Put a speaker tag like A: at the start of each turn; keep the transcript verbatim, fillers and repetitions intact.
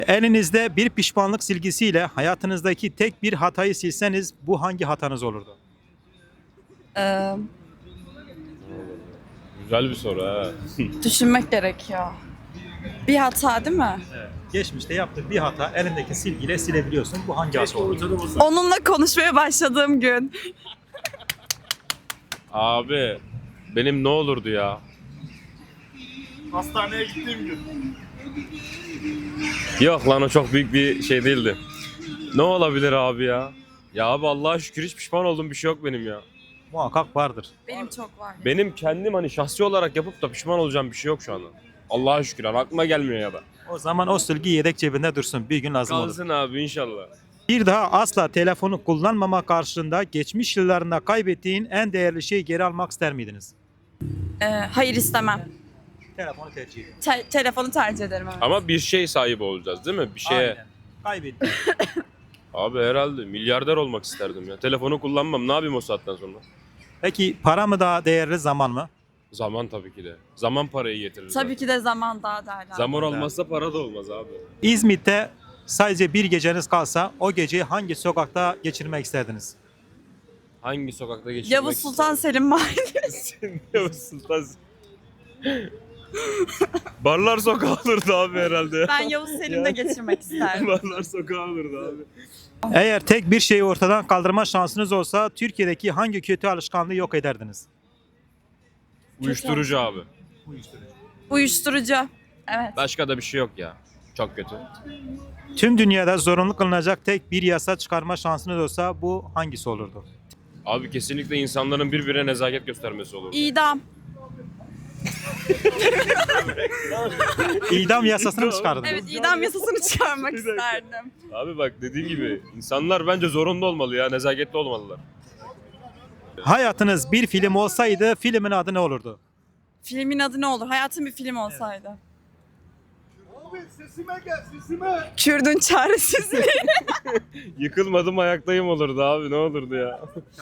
A: Elinizde bir pişmanlık silgisiyle hayatınızdaki tek bir hatayı silseniz bu hangi hatanız olurdu?
B: Ee,
C: Güzel bir soru ha.
B: Düşünmek gerekiyor. Bir hata değil mi?
A: Geçmişte yaptığın bir hata elindeki silgiyle silebiliyorsun. Bu hangi hata olurdu?
B: Onunla konuşmaya başladığım gün.
C: Abi benim ne olurdu ya?
D: Hastaneye gittiğim gün.
C: Yok lan o çok büyük bir şey değildi. Ne olabilir abi ya? Ya abi Allah'a şükür hiç pişman olduğum bir şey yok benim ya.
A: Muhakkak vardır.
B: Benim çok var.
C: Benim kendim hani şahsi olarak yapıp da pişman olacağım bir şey yok şu anda. Allah'a şükür hani aklıma gelmiyor ya da.
A: O zaman o silgi yedek cebinde dursun. Bir gün lazım olur.
C: Kalsın abi inşallah.
A: Bir daha asla telefonu kullanmama karşılığında geçmiş yıllarında kaybettiğin en değerli şeyi geri almak ister miydiniz?
B: Ee, hayır istemem.
A: Telefonu tercih ediyorum.
B: Te- telefonu tercih ederim. Evet.
C: Ama bir şey sahibi olacağız değil mi? Bir şeye.
A: Aynen. Kaybettim.
C: Abi herhalde milyarder olmak isterdim ya. Telefonu kullanmam ne yapayım o saatten sonra?
A: Peki para mı daha değerli, zaman mı?
C: Zaman tabii ki de. Zaman parayı getirir.
B: Tabii
C: zaten.
B: ki de zaman daha değerli.
C: Zaman olmazsa para da olmaz abi.
A: İzmit'te sadece bir geceniz kalsa o geceyi hangi sokakta geçirmek isterdiniz?
C: Hangi sokakta geçirmek
B: Yavuz Sultan Selim Mahallesi.
C: Yavuz Sultan Barlar sokağı olurdu abi herhalde.
B: Ben Yavuz Selim'de geçirmek isterdim.
C: Barlar sokağı olurdu abi.
A: Eğer tek bir şeyi ortadan kaldırma şansınız olsa Türkiye'deki hangi kötü alışkanlığı yok ederdiniz?
C: Uyuşturucu abi.
B: Uyuşturucu. Evet.
C: Başka da bir şey yok ya. Çok kötü.
A: Tüm dünyada zorunlu kılınacak tek bir yasa çıkarma şansınız olsa bu hangisi olurdu?
C: Abi kesinlikle insanların birbirine nezaket göstermesi olur.
B: İdam.
A: İdam yasasını mı çıkardınız?
B: Evet, idam yasasını çıkarmak isterdim.
C: Abi bak dediğin gibi insanlar bence zorunlu olmalı ya. Nezaketli olmalılar.
A: Hayatınız bir film olsaydı filmin adı ne olurdu?
B: Filmin adı ne olur? Hayatım bir film olsaydı.
D: Abi sesime gel sesime.
B: Kürdün çaresizliği.
C: Yıkılmadım ayaktayım olurdu abi ne olurdu ya.